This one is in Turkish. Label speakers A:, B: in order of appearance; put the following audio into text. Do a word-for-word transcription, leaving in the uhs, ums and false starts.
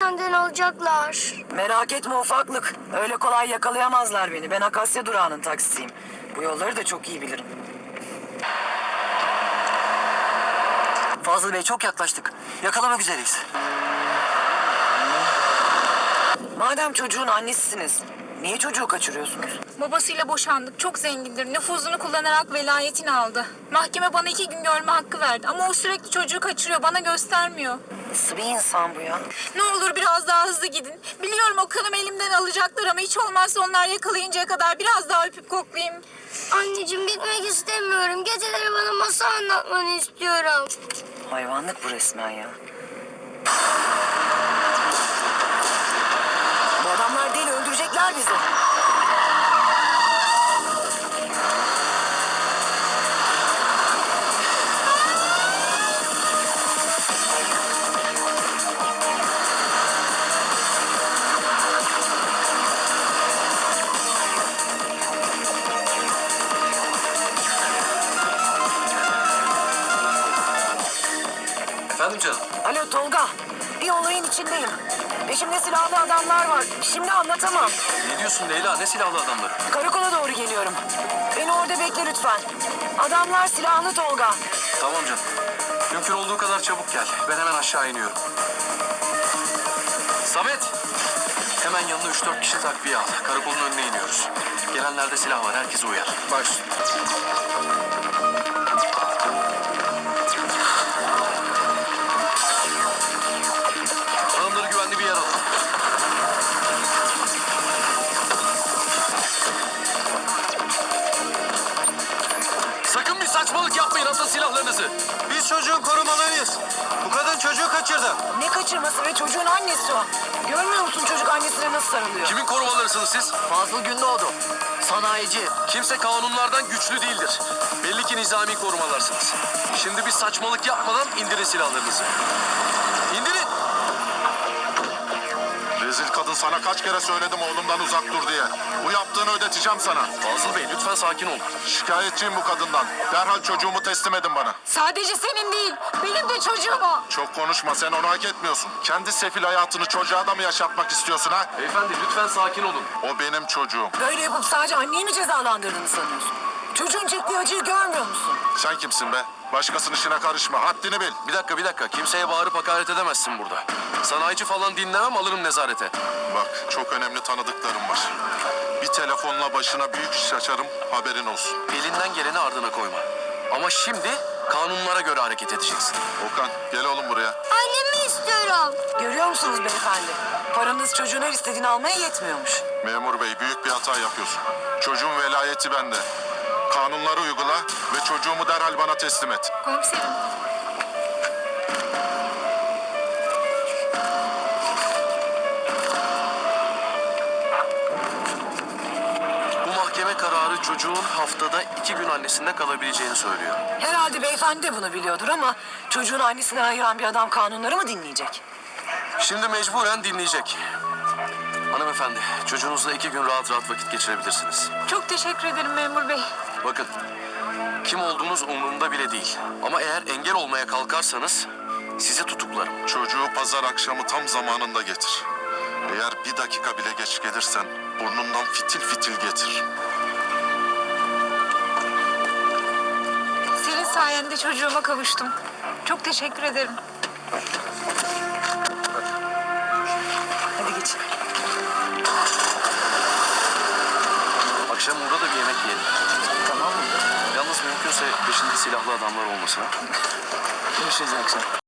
A: senden alacaklar.
B: Merak etme ufaklık. Öyle kolay yakalayamazlar beni. Ben Akasya durağının taksisiyim. Bu yolları da çok iyi bilirim.
C: Fazıl Bey çok yaklaştık. Yakalamak üzereyiz.
B: Madem çocuğun annesisiniz, niye çocuğu kaçırıyorsunuz?
D: Babasıyla boşandık. Çok zengindir. Nüfuzunu kullanarak velayetini aldı. Mahkeme bana iki gün görme hakkı verdi. Ama o sürekli çocuğu kaçırıyor. Bana göstermiyor.
B: Nasıl bir insan bu ya?
D: Ne olur biraz daha hızlı gidin. Biliyorum o kanımı elimden alacaklar ama hiç olmazsa onlar yakalayıncaya kadar biraz daha öpüp koklayayım.
A: Anneciğim gitmek istemiyorum. Geceleri bana masal anlatmanı istiyorum.
B: Hayvanlık bu resmen ya. Bu adamlar deli, öldürecekler bizi.
C: Efendim canım?
B: Alo Tolga, bir olayın içindeyim. Peşimde silahlı adamlar var. Şimdi anlatamam.
C: Ne diyorsun Leyla? Ne silahlı adamları?
B: Karakola doğru geliyorum. Beni orada bekle lütfen. Adamlar silahlı Tolga.
C: Tamam canım. Mümkün olduğu kadar çabuk gel. Ben hemen aşağı iniyorum. Samet! Hemen yanına üç dört kişi takviye al. Karakolun önüne iniyoruz. Gelenlerde silah var. Herkese uyar. Baş. Hanımları güvenli bir yer alın. Sakın bir saçmalık yapmayın. Atın silahlarınızı.
E: Biz çocuğun korumalıyız. Bu kadın çocuğu kaçırdı.
B: Ne kaçırması ve çocuğun annesi o. Görmüyor musun çocuk annesine nasıl sarılıyor?
C: Kimin korumalarısınız siz?
B: Fazıl Gündoğdu. Sanayici.
C: Kimse kanunlardan güçlü değildir. Belli ki nizami korumalarsınız. Şimdi bir saçmalık yapmadan indirin silahlarınızı. İndirin!
F: Rezil kadın, sana kaç kere söyledim oğlumdan uzak dur diye. Bu yaptığını ödeteceğim sana.
C: Fazıl Bey lütfen sakin olun.
F: Şikayetçiyim bu kadından. Derhal çocuğumu teslim edin bana.
D: Sadece senin değil, benim de çocuğum o.
F: Çok konuşma, sen onu hak etmiyorsun. Kendi sefil hayatını çocuğa da mı yaşatmak istiyorsun ha?
C: Beyefendi lütfen sakin olun.
F: O benim çocuğum.
B: Böyle yapıp sadece anneyi mi cezalandırdığını sanıyorsun? Çocuğun çektiği acıyı görmüyor musun?
F: Sen kimsin be? Başkasının işine karışma, haddini bil.
C: Bir dakika bir dakika. Kimseye bağırıp hakaret edemezsin burada. Sanayici falan dinlemem, alırım nezarete.
F: Bak, çok önemli tanıdıklarım var. Bir telefonla başına büyük iş açarım, haberin olsun.
C: Elinden geleni ardına koyma. Ama şimdi kanunlara göre hareket edeceksin.
F: Okan, gel oğlum buraya.
A: Annemi istiyorum.
B: Görüyor musunuz beyefendi? Paranız çocuğun her istediğini almaya yetmiyormuş.
F: Memur bey, büyük bir hata yapıyorsun. Çocuğun velayeti bende. Kanunları uygula ve çocuğumu derhal bana teslim et.
D: Komiserim.
C: Bu mahkeme kararı çocuğun haftada iki gün annesinde kalabileceğini söylüyor.
B: Herhalde beyefendi de bunu biliyordur ama çocuğun annesinden ayıran bir adam kanunları mı dinleyecek?
C: Şimdi mecburen dinleyecek. Hanımefendi, çocuğunuzla iki gün rahat rahat vakit geçirebilirsiniz.
D: Çok teşekkür ederim memur bey.
C: Bakın, kim olduğunuz umurumda bile değil. Ama eğer engel olmaya kalkarsanız sizi tutuklarım.
F: Çocuğu pazar akşamı tam zamanında getir. Eğer bir dakika bile geç gelirsen burnundan fitil fitil getir.
D: Senin sayende çocuğuma kavuştum. Çok teşekkür ederim.
B: Hadi geç.
C: Akşam burada da bir yemek yiyelim.
B: Tamam mı?
C: Yalnız mümkünse peşinde silahlı adamlar olmasın ha.
B: Görüşürüz akşam.